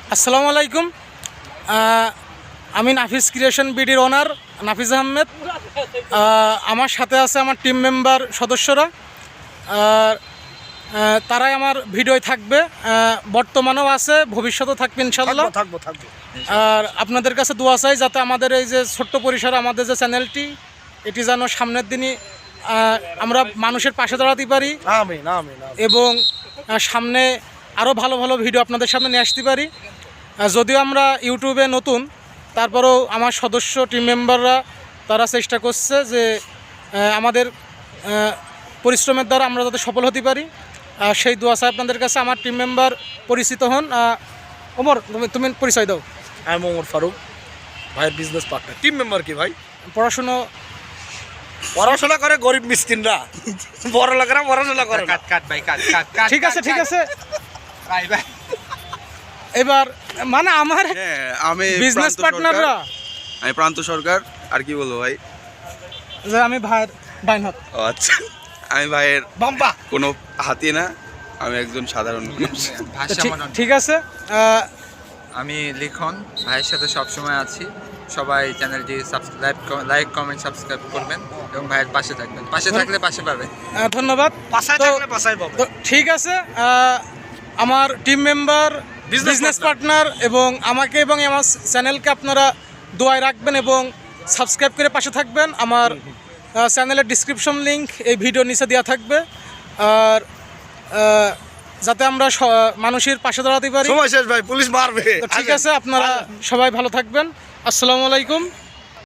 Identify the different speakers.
Speaker 1: আসসালামু আলাইকুম। আমি নাফিস ক্রিয়েশন বিডির ওনার নাফিজ আহমেদ। আমার সাথে আছে আমার টিম মেম্বার সদস্যরা। তারাই আমার ভিডিওয় থাকবে, বর্তমানেও আছে, ভবিষ্যতেও থাকবে ইনশাল্লাহ।
Speaker 2: থাকবো।
Speaker 1: আর আপনাদের কাছে দোয়া চাই যাতে আমাদের এই যে ছোট্ট পরিসরে আমাদের যে চ্যানেলটি, এটি যেন সামনের দিনই আমরা মানুষের পাশে দাঁড়াতে পারি এবং সামনে আরও ভালো ভালো ভিডিও আপনাদের সামনে নিয়ে আসতে পারি। যদিও আমরা ইউটিউবে নতুন, তারপরেও আমার সদস্য টিম মেম্বাররা তারা চেষ্টা করছে যে আমাদের পরিশ্রমের দ্বারা আমরা যাতে সফল হতে পারি। সেই দোয়া চাই আপনাদের কাছে। আমার টিম মেম্বার পরিচিত হন। ওমর, তুমি পরিচয় দাও।
Speaker 2: আমি ওমর ফারুক, ভাইয়ের বিজনেস পার্টনার। টিম মেম্বার কি ভাই? পড়াশোনা করে গরিব মিসকিনরা, বড় লোকেরা পড়াশোনা করে।
Speaker 1: ঠিক আছে এবার মানে আমার
Speaker 3: আমি
Speaker 1: বিজনেস পার্টনাররা,
Speaker 3: আমি প্রান্ত সরকার। আর কি বলবো ভাই,
Speaker 1: যে আমি ভাইয়ের বাইনহাত।
Speaker 3: ও আচ্ছা, আমি ভাইয়ের
Speaker 2: বাম্বা
Speaker 3: কোনো হাতি না, আমি একজন সাধারণ মানুষ।
Speaker 1: ঠিক আছে।
Speaker 4: আমি লিখন, ভাইয়ের সাথে সবসময় আছি। সবাই চ্যানেলটি লাইক কমেন্ট সাবস্ক্রাইব করবেন এবং ভাইয়ের পাশে থাকবেন। পাশে থাকলে পাশে পাবেন।
Speaker 1: ধন্যবাদ।
Speaker 2: পাশায় থাকলে পাশায় পাবো।
Speaker 1: তো ঠিক আছে, আমার টিম মেম্বার, বিজনেস পার্টনার এবং আমাকে এবং আমার চ্যানেলকে আপনারা দোয়ায় রাখবেন এবং সাবস্ক্রাইব করে পাশে থাকবেন। আমার চ্যানেলের ডিসক্রিপশন লিংক এই ভিডিওর নিচে দেওয়া থাকবে। আর যাতে আমরা মানুষের পাশে দাঁড়াতে পারি।
Speaker 2: সময় শেষ ভাই, পুলিশ মারবে।
Speaker 1: তো ঠিক আছে, আপনারা সবাই ভালো থাকবেন। আসসালামু আলাইকুম।